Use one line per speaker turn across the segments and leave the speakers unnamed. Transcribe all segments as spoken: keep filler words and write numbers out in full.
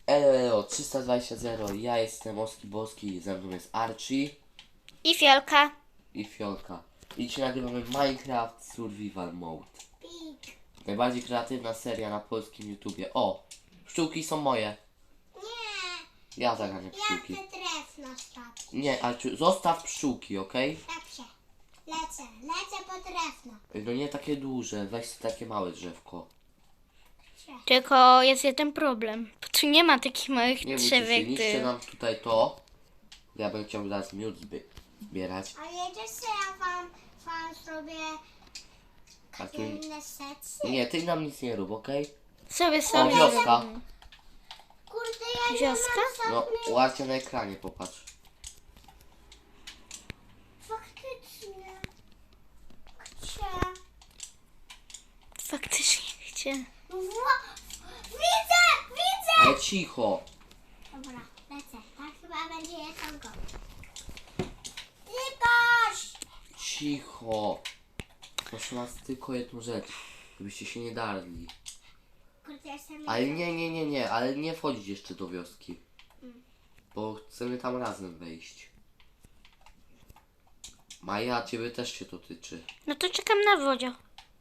Elo, trzysta dwadzieścia zero, ja jestem Oski Boski, ze mną jest Archie
I Fiolka.
i Fiolka. I dzisiaj nagrywamy Minecraft Survival Mode. Najbardziej kreatywna seria na polskim YouTubie. O, pszczółki są moje.
Nie,
Ja zaganiam
ja
pszczółki.
chcę drewno zrobić.
Nie, Archie, zostaw pszczółki, okej?
Dobrze, lecę, lecę po drewno.
No nie takie duże, weź sobie takie małe drzewko.
Tylko jest jeden problem. Bo tu nie ma takich małych
Nie bójcie
drzew
się,
jak
niszcie
ty.
nam tutaj to. Ja bym chciał zaraz miód zby- zbierać.
A jedziesz, że ja wam, wam zrobię
A tu...
inne sesje?
Nie, ty nam nic nie rób, okej?
Sobie
O,
sobie.
wioska.
Kurde, ja nie
Wioska?
mam
No,
żadnych...
ładnie na ekranie, popatrz.
Faktycznie. Gdzie?
Faktycznie gdzie?
No wła... Widzę, widzę!
Ale cicho.
Dobra, lecę. Tak chyba będzie jedzonko. Ikoś!
Cicho. Proszę was tylko jedną rzecz. Żebyście się nie darli.
Kurde, jestem...
Ale nie, nie, nie, nie. Ale nie wchodzić jeszcze do wioski. Bo chcemy tam razem wejść. Maja, ciebie też się to tyczy.
No to czekam na wodzie.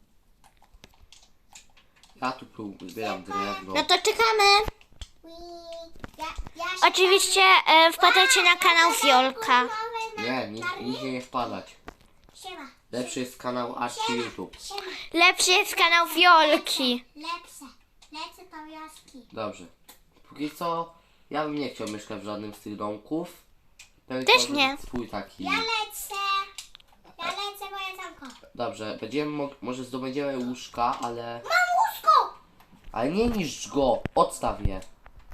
Ja tu prób- zbieram drewno.
No to czekamy.
Ui, Ja, ja się
Oczywiście e, wpadajcie na kanał Fiolka.
Nie, ni- nigdzie nie wpadać.
Siema.
Lepszy jest kanał Archie YouTube.
Siema.
Lepszy jest kanał Fiolki.
Lepsze. Lecę do wioski.
Dobrze. Póki co, ja bym nie chciał mieszkać w żadnym z tych domków. Bym
Też
chciał
nie.
zrobić swój taki.
Ja lecę. Ja lecę, bo jedzonko.
Dobrze, będziemy mo- może zdobędziemy łóżka, ale...
Mam łóżko!
Ale nie niszcz go! Odstaw je.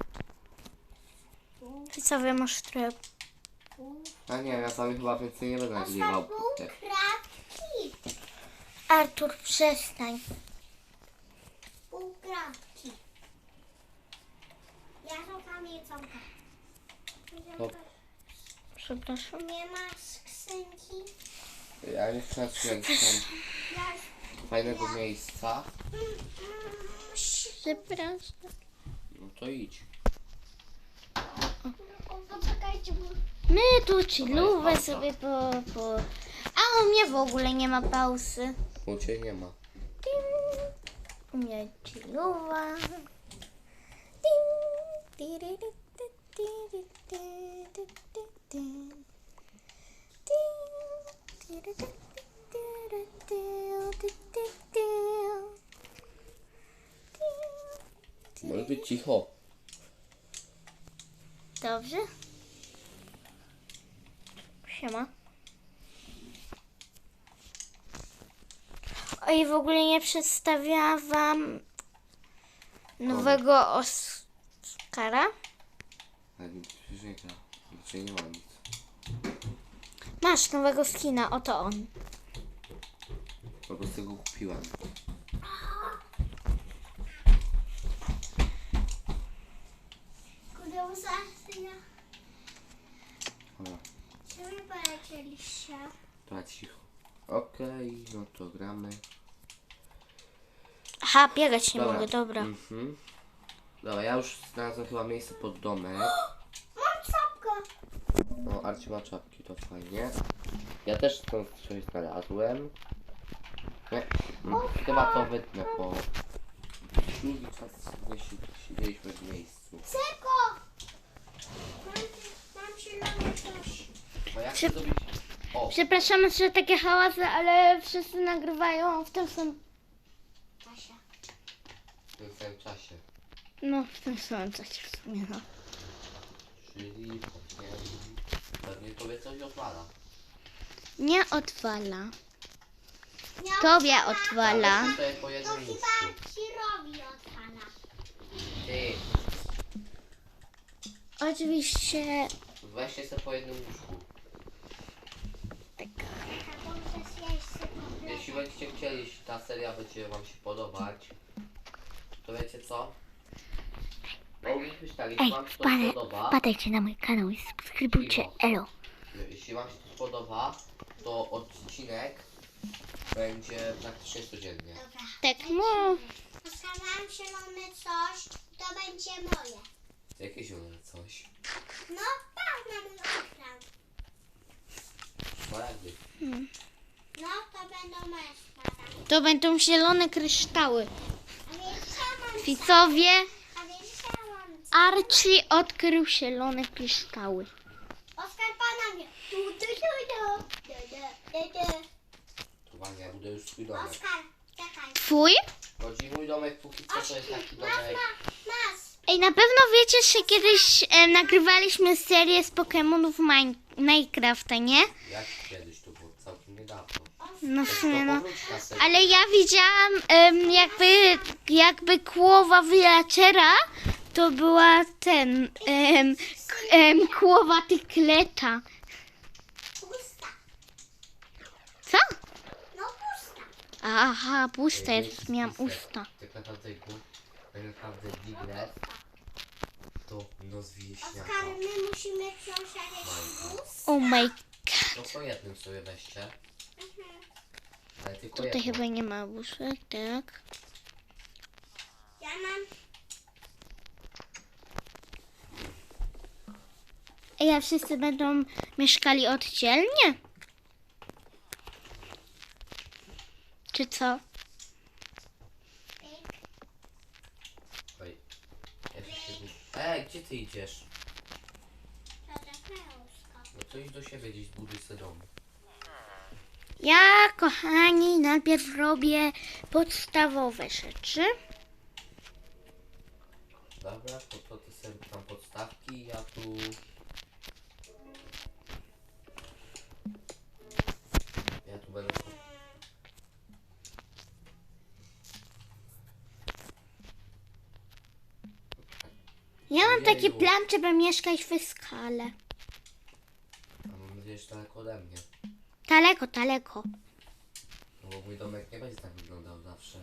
Ty co wy masz trochę.
Ja nie wiem, ja sami chyba więcej nie będę nagrywał.
Ostatnią kratki.
Artur, przestań.
Pół kratki. Ja szukam jedzonka.
No.
Przepraszam.
Nie ma skrzynki.
Ja nie chcę trzymać tam
Ja...
fajnego miejsca.
Przepraszam.
No to idź.
O, poczekajcie, bo...
My tu chillówę
pauza.
sobie po, po... A u mnie w ogóle nie ma pauzy.
U ciebie nie ma.
Ding. U mnie chillowa. Ding. Tiriry, ty, tiry, ty, ty, ty, ty. Ding. Tiry, ty, tiry, ty, ty, ty, ty. Ding.
Może być cicho.
Dobrze. Siema. Oj, w ogóle nie przedstawiałam wam nowego Oskara.
Ale nic przecież nie gra. Znaczy nie ma nic.
Masz nowego skina, oto on.
Po prostu go kupiłem.
Kurde, uzasyna.
Dobra,
Czy wy polecieliście?
to cicho. Okej, no to gramy.
Aha, biegać nie
Dobra.
mogę, dobra.
Mhm. Dobra, ja już znalazłem chyba miejsce pod domek.
Mam czapkę.
O, Arci ma czapki, to fajnie. Ja też stąd coś znalazłem. Nie, mm, chyba to wytnę, bo długi czas nie si- siedzieliśmy w miejscu.
Cyko! Mam, mam zielone coś.
Bo jak
Przy-
zrobić... O,
Przepraszamy, że takie hałasy, ale wszyscy nagrywają w tym samym...
Kasia.
w tym samym czasie.
No, w tym samym czasie w sumie, no.
Czyli pewnie, pewnie tobie coś odwala.
Nie odwala.
Nie
Tobie
odpala.
odwala.
Ale tutaj po
To
jednym łóżku.
chyba Cirowi odpala.
Ty,
Oczywiście...
weźcie sobie po jednym łóżku.
Tak.
A muszę zjeść sobie.
Jeśli będziecie chcieli, jeśli ta seria będzie wam się podobać, to wiecie co? Powinien być tak, jeśli
Ej,
wam się to
wpadaj,
spodoba,
wpadajcie na mój kanał i subskrybujcie.
Cicho.
Elo.
jeśli wam się to spodoba, to odcinek będzie praktycznie codziennie.
Dobra.
Tak, no.
Postawiłam zielone coś, to będzie moje.
Jakie zielone coś?
No, tak, na mój ekran.
Szmaragdy.
No, to będą moje spadaki.
To będą zielone kryształy.
A więc ja mam...
Widzowie,
A więc ja mam...
Archie odkrył zielone kryształy.
Oskar pana mnie. Tu, tu, tu, tu. Tu, tu, tu, tu.
Uwaga, ja buduję już swój domek.
Oskar, czekaj.
Twój?
Chodzi mój domek, póki co to jest taki
Masz,
domek.
masz, masz.
Ej, na pewno wiecie, że kiedyś e, nagrywaliśmy serię z Pokemonów Mine- Minecrafta, nie?
Jak kiedyś to było całkiem niedawno.
No w
To
sumie no.
powróć na serię.
Ale ja widziałam em, jakby, jakby kłowa villagera, to była ten, em, k- em, kłowa tykleta.
Pusta.
Co?
No, pusta.
Aha, puste,
Ej,
jest,
jest
miałam
spisek.
usta.
Tak naprawdę, ku- tak naprawdę Diglett to noc wieśniaka.
Oskar, my musimy książkę plus.
Oh my,
No po jednym sobie weźcie. Ale tylko
tutaj
jedno.
chyba nie ma łóżek, tak?
Ja mam...
Ej, a wszyscy będą mieszkali oddzielnie? Czy co?
Pyk.
Oj. Ja się się... Ej, gdzie ty idziesz?
To Oskar.
No to idź do siebie gdzieś, zbuduj sobie dom.
Ja, kochani, najpierw robię podstawowe rzeczy.
Dobra, to, to ty sobie tam podstawki, ja tu... Ja tu będę...
Ja mam taki
Ojeju.
plan, żeby mieszkać w skale.
A mam nadzieję, że daleko ode mnie.
Daleko, daleko.
No bo mój domek nie będzie tak wyglądał zawsze.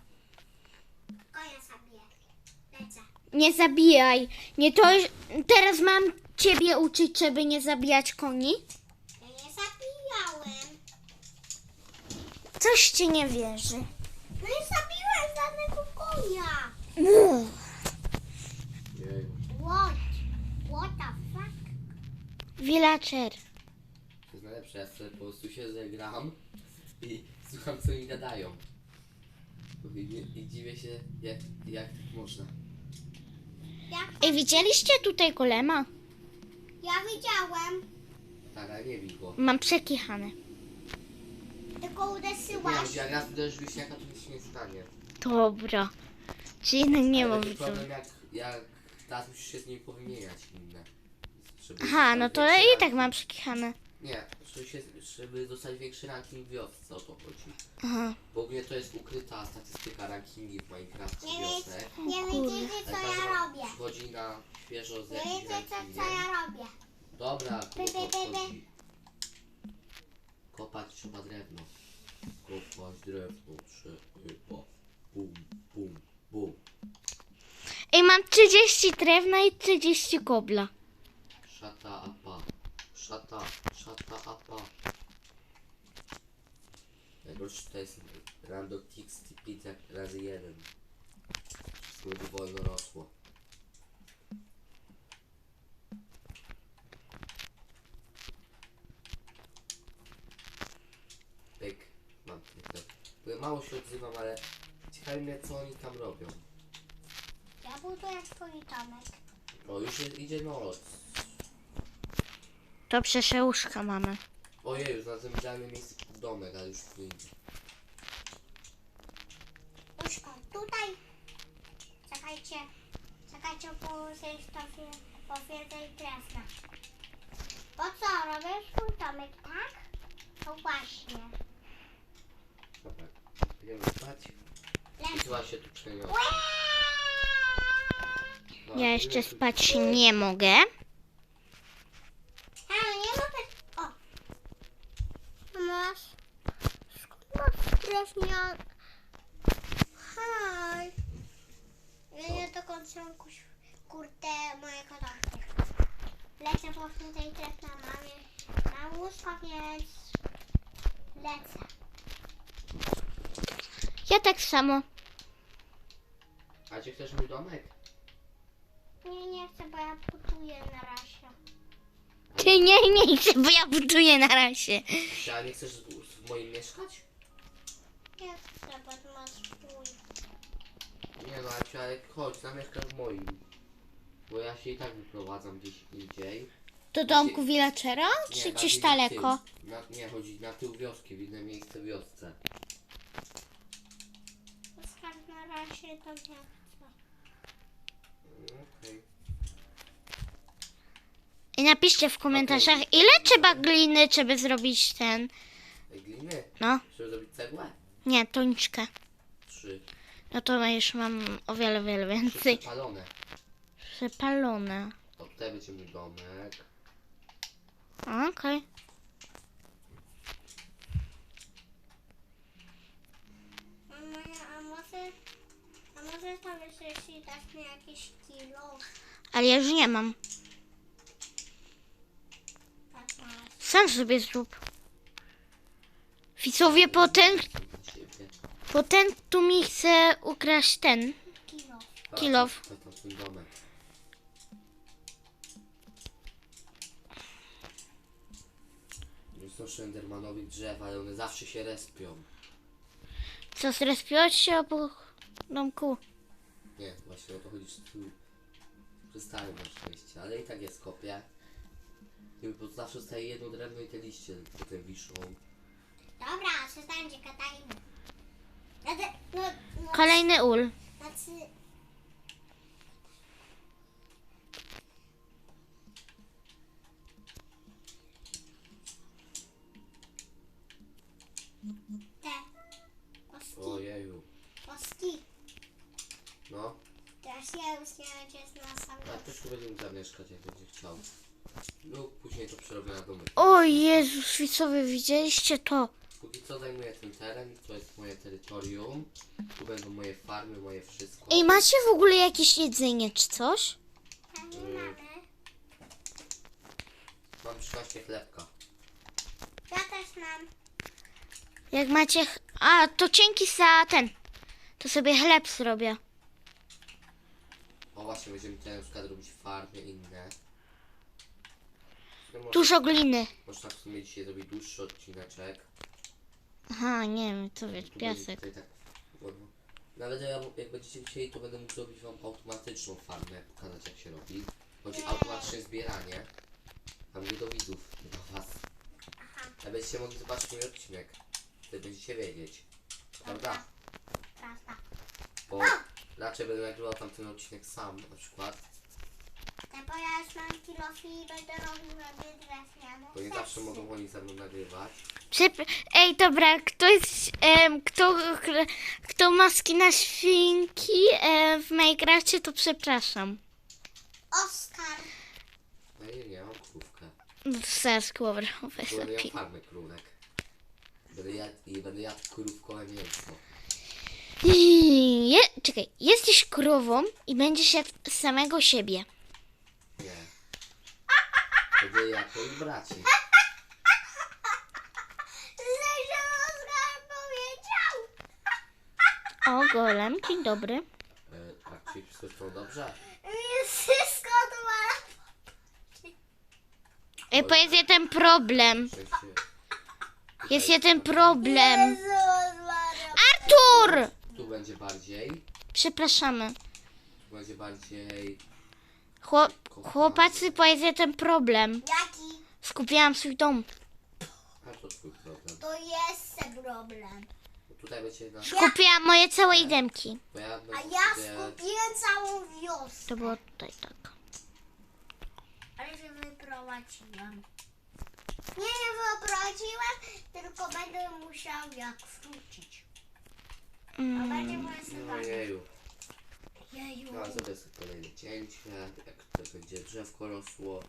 Konia zabiję. Lecę.
Nie zabijaj. Nie to. Teraz mam ciebie uczyć, żeby nie zabijać koni.
Ja nie zabijałem.
Coś ci nie wierzy.
No nie zabiłem żadnego konia.
Jeju.
What? What the fuck?
Villager.
To jest najlepsze, ja sobie po prostu się zegram i słucham co mi gadają. I, i, i dziwię się jak, jak tak można.
Jak...
Ej, widzieliście tutaj golema?
Ja widziałem.
Tak, ale nie bij go.
Mam przekichane.
Tylko
Nie,
uderzyłaś.
jak raz uderzysz wiśniaka, to nic się nie stanie.
Dobra. Czy jednak nie
Ale
mam
to
widzów.
problem jak, jak teraz musisz się z nim powymieniać inne. Żeby
Aha,
dostać
no to
większy
i tak
ranking.
mam przekichane.
Nie, żeby, się, żeby dostać większy ranking w wiosce, o to chodzi.
Aha.
W ogóle to jest ukryta statystyka rankingi w Minecrafcie
Nie,
wiosek.
wie, nie widzicie co
Ale
ja
każdy
robię.
przychodzi na świeżo z
Nie
jakimś
wiecie co, co
rankingiem.
ja robię.
Dobra,
By,
to
by, by, by.
chodzi. Kopać trzeba drewno. Kopać drewno trzeba. Bum, bum, bum.
Ej, mam trzydzieści drewna i trzydzieści kobla.
Szata apa. Szata, szata apa. Najgorsze to jest Random Tix Pizza razy jeden. Wszystko będzie wolno rosło. Pyk. Mam tylko. Mało się odzywam, ale ciekawi mnie co oni tam robią.
Ja buduję swój domek.
O, już jest, idzie noc.
To przeszełuszka mamy.
Ojej, już znalazłem idealne miejsce pod domek, ale już tu idzie.
Uszko, tutaj. Czekajcie. Czekajcie, bo się powiedzę drewna. Po co? Robię swój domek, tak? No właśnie.
Dobra, idziemy spać. I
Lecę.
chyba się tu przeniosę. No,
Ja jeszcze spać nie mogę.
Ale nie mogę... O! Masz... Skąd masz drewnian... Haj! Ja nie do końca mam kuś... kurde mojego domku. Lecę po tej drewna mamie na łóżko, więc... Lecę.
Ja tak samo.
A czy chcesz mój domek?
Nie, nie nie chcę, bo ja buduję na razie.
Ty nie, nie chcę, bo ja buduję na razie.
Ty, a nie chcesz w, w moim mieszkać?
Nie chcę, bo ty masz swój.
Nie no, Aciu, ale chodź, zamieszkasz w moim. Bo ja się i tak wyprowadzam gdzieś indziej.
Do domku villagera?
Nie,
Czy
bardziej
gdzieś
na
daleko?
tył. Na, nie, chodzi na tył wioski, w inne miejsce w wiosce.
Oskar, na razie to nie chcę.
Mm, Okej.
I napiszcie w komentarzach, ile trzeba gliny, żeby zrobić ten...
Ej, gliny?
No,
Żeby zrobić cegłę?
nie, toniczkę.
Trzy.
No to już mam o wiele, wiele
Trzy
więcej.
przepalone.
Przepalone.
O, tutaj będzie mój domek.
Okej.
A moja, a może... A może tam jeszcze jeśli dasz mi jakieś kilo?
Ale ja już nie mam.
Tak masz.
Sam sobie zrób. Widzowie, potem,
Dla ciebie.
potem tu mi chce ukraść ten.
Kilo.
A,
Kilof.
To, to, to twój domek. Nie znoszę endermanowych drzew, ale one zawsze się respią.
Co, zrespiłeś się obok domku?
Nie, właśnie o to chodzi, że tu przestałem na szczęście, ale i tak jest kopię. I bo zawsze zostaje jedno drewno i te liście potem wiszą.
Dobra, przestańcie, gadajmy. Ja te, no, no,
Kolejny ul.
Znaczy... Te. Koski.
Ojeju.
Koski.
No,
Teraz ja już nie będzie na sam
a też tu będzie mógł zamieszkać, jak będzie chciał. No, później to przerobię na domek.
O Jezus, widzowie, widzieliście to?
Póki co zajmuję ten teren, to jest moje terytorium. Tu będą moje farmy, moje wszystko.
Ej, macie w ogóle jakieś jedzenie czy coś?
A nie mamy.
Mam trzynaście chlebka.
Ja też mam.
Jak macie... ch- A, to dzięki za ten. To sobie chleb zrobię.
O właśnie, będziemy tutaj na przykład robić farmy inne. No, może,
Dużo gliny.
może tak w sumie dzisiaj zrobić dłuższy odcineczek.
Aha, nie wiem, co wiesz,
Tu będzie
piasek.
tutaj tak, no, nawet ja, jak będziecie chcieli, to będę mógł zrobić wam automatyczną farmę, pokazać jak się robi. Chodzi o automatyczne zbieranie. A mówię do widzów, nie do was. A będziecie mogli zobaczyć mój odcinek. Wtedy będziecie wiedzieć. Prawda?
Prawda.
Bo raczej będę nagrywał tamten odcinek sam na przykład.
Te, bo ja już mam kilofi i będę robił sobie drewniane.
Bo nie zawsze mogą oni ze mną nagrywać.
Przep- Ej, dobra, ktoś, em, kto, kto ma skina świnki e, w Minecrafcie, to przepraszam.
Oskar.
No nie, nie, mam krówkę.
No to zaraz głowę
Bo będę miał
lepiej.
farmę krówek. Będę jadł, i będę jadł krówkowe mięso.
Je, czekaj, jesteś krową i będziesz jadł samego siebie.
Nie. Będę jadł moich braci.
Że Oskar powiedział.
O, golem, dzień dobry.
E, tak, czyli wszystko jest dobrze?
Mi wszystko dwa.
Ej, bo jest jeden problem.
W sensie...
Jest jeden problem.
Jezus Maria.
Artur!
Tu będzie bardziej.
Przepraszamy.
Tu będzie bardziej...
Chłop, chłopacy, bo jest jeden problem.
Jaki?
Skupiłam swój dom.
A to twój problem.
To jest ten problem.
Bo tutaj będzie na...
Skupiłam moje całe idemki.
Bo ja
A
będę
ja
sobie...
skupiłem całą wioskę.
To było tutaj tak.
Ale się wyprowadziłem. Nie, nie wyprowadziłem, tylko będę musiał jak wrócić. A
Mm.
będzie moje
No
sypanie.
jeju.
Jeju.
No, zrobię sobie kolejne cięcie, jak to będzie drzewko rosło.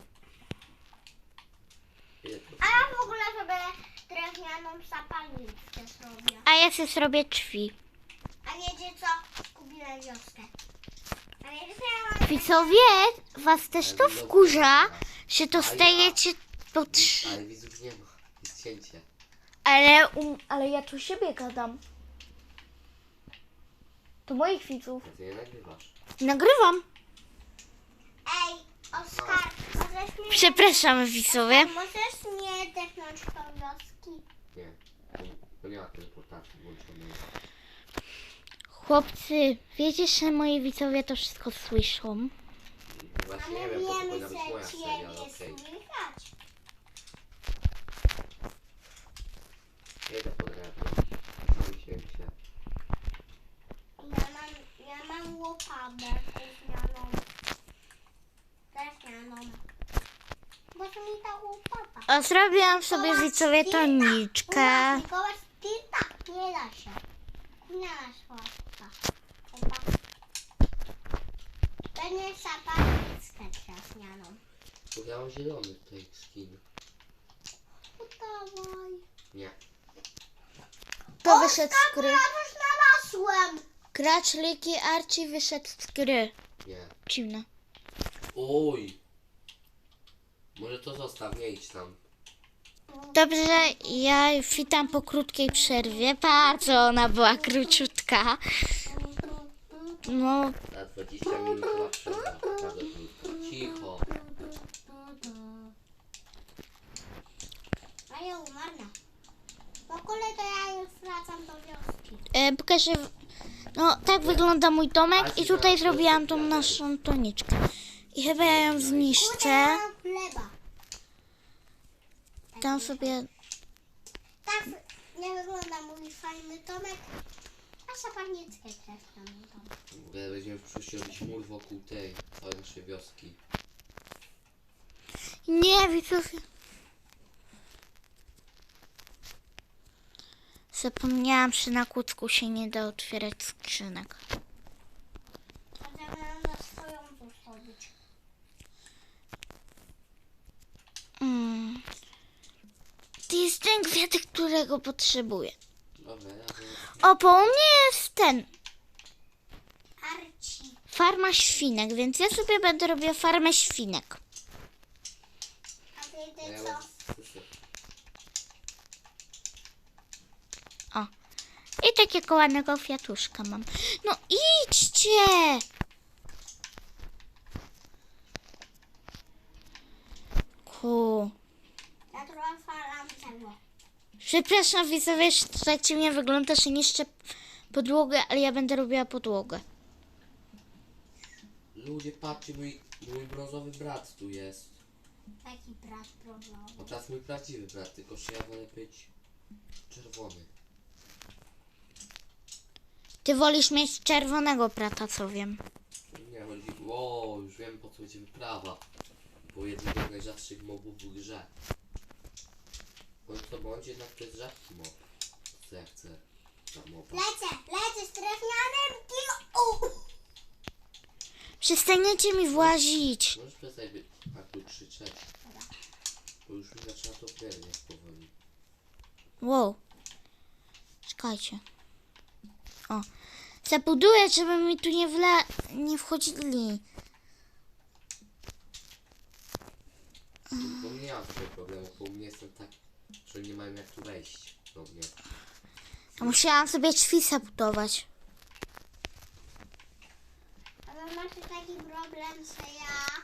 Ile to
A ja w ogóle sobie drewnianą zapalniczkę zrobię.
A ja sobie zrobię drzwi.
A wiecie co? Kupiłem wioskę. A wiecie co ja mam?
Widzowie, was też to wkurza, że dostajecie po trzy.
Ale widzów nie ma, jest cięcie.
Ale, um, ale ja tu siebie gadam. To moich widzów.
A ty nie nagrywasz.
Nagrywam.
Ej,
Przepraszam, widzowie.
Możesz nie dechnąć tą wioski?
Nie. To nie ma teleportacji włączonej.
Chłopcy, wiecie, że moi widzowie to wszystko słyszą?
A
Właśnie
my
nie wiem, to
wiemy,
powinna być moja
że
seria, ale
ciebie
okej.
słychać.
Jedę pod drewno. Sam się się.
Ja mam, ja mam łopatę drewnianą. Drewnianą. Bo to mi ta łopata.
A zrobiłam sobie, widzowie, toniczkę.
Mikołaj, ty tak nie da się. Nie da się łapka. Chyba. Będzie zapalnickę drewnianą.
Bo ja mam zielony tutaj skin.
Dawaj.
Nie.
To wyszedł z gry.
Ja już znalazłem.
Gracz Liki Archie wyszedł z gry.
Nie.
Dziwne.
Oj! Może to zostaw, nie idź tam.
Dobrze, ja witam po krótkiej przerwie. Bardzo ona była króciutka. No,
Na dwadzieścia minut była przerwa. Bardzo krótko. Cicho.
A ja umarnę. W ogóle to ja już wracam do wioski.
e, pokażę. No, tak wygląda mój domek i tutaj zrobiłam tą naszą toniczkę. I chyba ja ją
Kurde,
zniszczę.
ja mam chleba.
Tam sobie.
Tak nie wygląda mój fajny domek. A zapalnickę drewnianą domek.
W ogóle będziemy w przyszłości robić mur wokół tej, całej naszej wioski.
Nie, widzowie. Zapomniałam, że na kucku się nie da otwierać skrzynek.
A ja miałam na swoją zostawić.
Mm. To jest ten kwiatek, którego potrzebuję.
Dobra, ja wiem.
O, po u mnie jest ten.
Arci.
Farma świnek, więc ja sobie będę robiła farmę świnek.
A
A ja
wiecie
mam
co?
suszy.
O. I takiego ładnego kwiatuszka mam. No idźcie! Ku.
Ja trochę falam tego.
Przepraszam, widzowie, że to tak dziwnie wygląda, że niszczę podłogę, ale ja będę robiła podłogę.
Ludzie, patrzcie, mój, mój brązowy brat tu jest.
Taki brat problem.
O, teraz mój prawdziwy brat, tylko że ja wolę być czerwony.
Ty wolisz mieć czerwonego brata, co wiem.
Nie, chodzi... O, już wiem, po co będzie wyprawa. Bo jednego z najrzadszych mobów w grze. Bądź to bądź, jednak to jest rzadki mob. Co ja chcę za moba.
Lecę, lecę z drewnianym kilo.
Przestaniecie mi włazić.
Możesz przestać być tak tu krzyczeć. Bo już mi zaczyna to pierdzieć powoli.
Wow. Czekajcie. O. Zabuduję, żeby mi tu nie wla... nie wchodzili.
Bo nie mam tego problemu, bo u mnie jestem tak, że nie mają jak tu wejść do mnie.
A musiałam sobie drzwi zabudować.
Ale masz taki problem, że ja...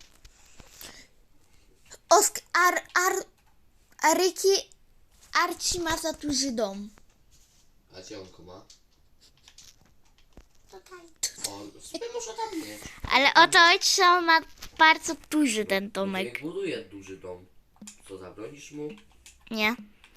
Osk... Ar... Ar... Aryki... Arci ma za duży dom.
A gdzie on go ma?
Tutaj.
O, sobie może tam mieć.
Ale o to chodzi, że on ma bardzo duży ten domek.
Niech buduje duży dom. Co, zabronisz mu?
Nie?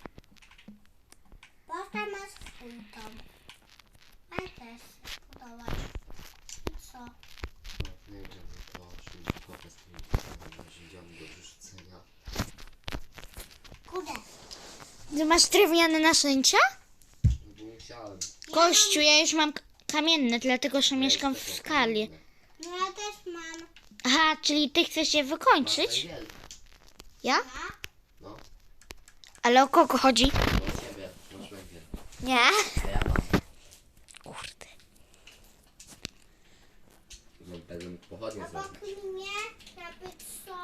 Bo tam masz swój dom. A ja też chcę budować. I co?
No, nie wiem, to oczywiście kopę z tymi narzędziami do wyrzucenia.
Kurde.
Ty masz drewniane narzędzia?
No bo musiałem.
Kościół, ja już mam k- kamienne, dlatego że mieszkam w skali.
No ja też mam.
Aha, czyli ty chcesz je wykończyć? Ja?
Ja?
No,
Ale o kogo chodzi?
do ciebie, masz węgiel.
Nie.
A ja mam.
Kurde.
No, będę mógł pochodnie
Obok
zrobić.
mnie, jakby co?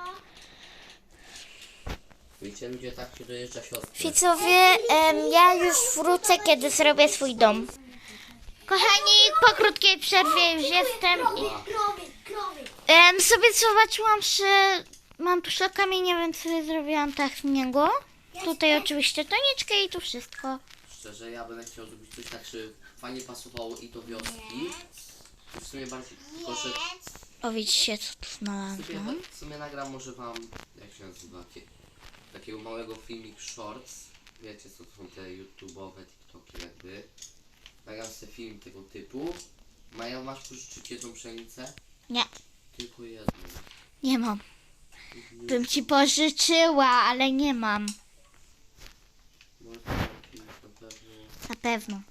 Widzicie, ludzie, tak się dojeżdża siostry.
Widzowie, em, ja już wrócę, kiedy zrobię swój dom. Kochani, po krótkiej przerwie już jestem i
Krowy, krowy.
em, sobie zobaczyłam, że mam tu kamienie, więc sobie zrobiłam tak z niego. Tutaj oczywiście toniczkę i tu wszystko.
Szczerze, ja będę chciał zrobić coś tak, żeby fajnie pasowało i do wioski. I w sumie bardziej proszę.
O, widzicie, co tu
W
znalazłam?
sumie, w sumie nagram może wam, jak się nazywa, takie, takiego małego filmik shorts. Wiecie co to są te YouTube'owe, TikToki jakby. Nagram sobie film tego typu. Maja, masz pożyczyć jedną pszenicę?
Nie,
Tylko jedną.
nie mam. Bym ci pożyczyła, ale nie mam.
Może to jakiś na pewno.
Na pewno.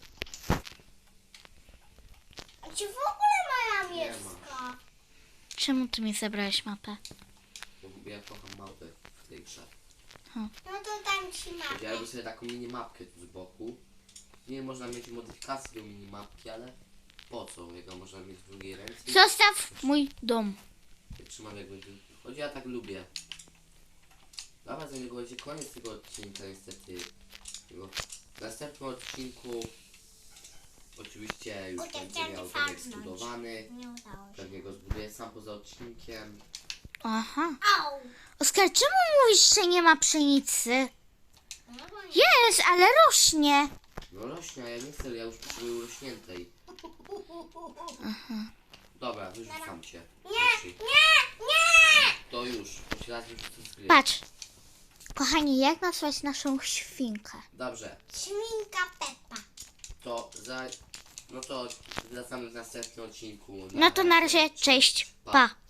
A czy w ogóle moja
Nie
miecka?
Czemu ty mi zabrałeś mapę?
Bo ja kocham mapę w tej grze.
No to dam ci mapę.
Ja robię sobie taką mini mapkę tu z boku. Nie można mieć modyfikacji do mini mapki, ale po co? Jak ją można mieć w drugiej ręce?
Zostaw mój dom.
Jak trzymam jak będzie. Choć ja tak lubię. Dobra, za niego będzie koniec tego odcinka niestety. Tego- W następnym odcinku oczywiście już
Kurde,
będzie
chciałam
miał
to
domek
farnąć.
zbudowany.
Nie udało się.
Pewnie go zbuduję sam poza odcinkiem.
Aha.
Au!
Oskar, czemu mówisz, że nie ma pszenicy?
No bo nie.
Jest, ale rośnie.
No rośnie, a ja nie chcę, ja już potrzebuję urośniętej. Dobra, wyrzucam cię.
Nie,
Prosi.
nie, nie!
To już, choć raz wyrzucę z gry.
Patrz. Kochani, jak nazwać naszą świnkę?
Dobrze,
Świnka Peppa.
to za... No to wracamy w następnym odcinku.
No to na razie, cześć, pa.